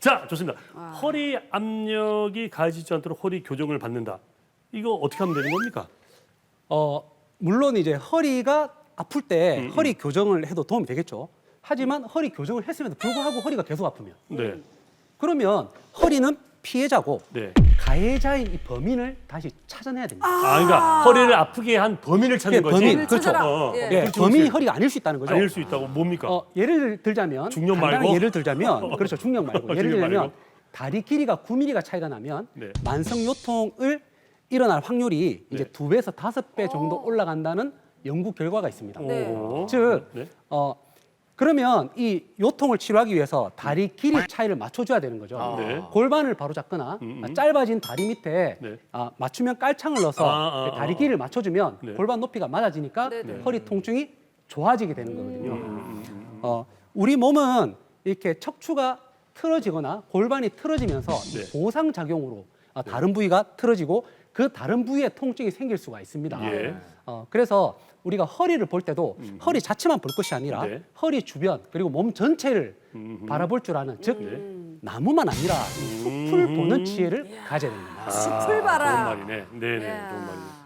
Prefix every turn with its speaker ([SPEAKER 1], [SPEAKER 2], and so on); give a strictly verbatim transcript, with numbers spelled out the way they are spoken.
[SPEAKER 1] 자, 좋습니다. 허리 압력이 가해지지 않도록 허리 교정을 받는다. 이거 어떻게 하면 되는 겁니까?
[SPEAKER 2] 어, 물론 이제 허리가 아플 때
[SPEAKER 1] 음,
[SPEAKER 2] 허리 교정을 해도 도움이 되겠죠. 하지만 허리 교정을 했음에도 불구하고 허리가 계속 아프면
[SPEAKER 1] 네.
[SPEAKER 2] 그러면 허리는 피해자고
[SPEAKER 1] 네.
[SPEAKER 2] 가해자인 이 범인을 다시 찾아내야 됩니다.
[SPEAKER 1] 아, 그러니까 허리를 아프게 한 범인을 찾는
[SPEAKER 2] 예,
[SPEAKER 1] 거지.
[SPEAKER 2] 범인,
[SPEAKER 3] 범인을
[SPEAKER 2] 그렇죠.
[SPEAKER 3] 찾아라.
[SPEAKER 1] 어,
[SPEAKER 3] 예.
[SPEAKER 2] 예,
[SPEAKER 1] 그렇지,
[SPEAKER 2] 범인이
[SPEAKER 1] 그렇지.
[SPEAKER 2] 허리가 아닐 수 있다는 거죠.
[SPEAKER 1] 아닐 수 있다고 뭡니까?
[SPEAKER 2] 어, 예를 들자면
[SPEAKER 1] 중력
[SPEAKER 2] 간단하게
[SPEAKER 1] 말고?
[SPEAKER 2] 예를 들자면 그렇죠. 중력 말고 예를
[SPEAKER 1] 중력
[SPEAKER 2] 들면
[SPEAKER 1] 말고?
[SPEAKER 2] 다리 길이가 구 밀리미터 차이가 나면
[SPEAKER 1] 네.
[SPEAKER 2] 만성 요통을 일어날 확률이 이제
[SPEAKER 1] 네.
[SPEAKER 2] 두 배에서 다섯 배 정도 올라간다는 연구 결과가 있습니다.
[SPEAKER 3] 네.
[SPEAKER 1] 오.
[SPEAKER 2] 즉,
[SPEAKER 1] 네.
[SPEAKER 2] 어, 그러면 이 요통을 치료하기 위해서 다리 길이 차이를 맞춰줘야 되는 거죠.
[SPEAKER 1] 아. 네.
[SPEAKER 2] 골반을 바로 잡거나
[SPEAKER 1] 음, 음.
[SPEAKER 2] 짧아진 다리 밑에
[SPEAKER 1] 네.
[SPEAKER 2] 아, 맞춤형 깔창을 넣어서
[SPEAKER 1] 아, 아,
[SPEAKER 2] 다리
[SPEAKER 1] 아.
[SPEAKER 2] 길이를 맞춰주면
[SPEAKER 1] 네.
[SPEAKER 2] 골반 높이가 맞아지니까
[SPEAKER 3] 네, 네.
[SPEAKER 2] 허리 통증이 좋아지게 되는 거거든요.
[SPEAKER 1] 음,
[SPEAKER 2] 어, 우리 몸은 이렇게 척추가 틀어지거나 골반이 틀어지면서 이
[SPEAKER 1] 네.
[SPEAKER 2] 보상 작용으로 어, 다른 부위가 틀어지고 그 다른 부위에 통증이 생길 수가 있습니다.
[SPEAKER 1] 예.
[SPEAKER 2] 어, 그래서 우리가 허리를 볼 때도 허리 자체만 볼 것이 아니라
[SPEAKER 1] 네.
[SPEAKER 2] 허리 주변 그리고 몸 전체를
[SPEAKER 1] 음.
[SPEAKER 2] 바라볼 줄 아는 즉
[SPEAKER 1] 네.
[SPEAKER 2] 나무만 아니라 숲을 보는 지혜를 가져야 됩니다.
[SPEAKER 3] 숲을 봐라.
[SPEAKER 1] 좋은 말이네. 네, 네,
[SPEAKER 3] 이야.
[SPEAKER 1] 좋은 말이네.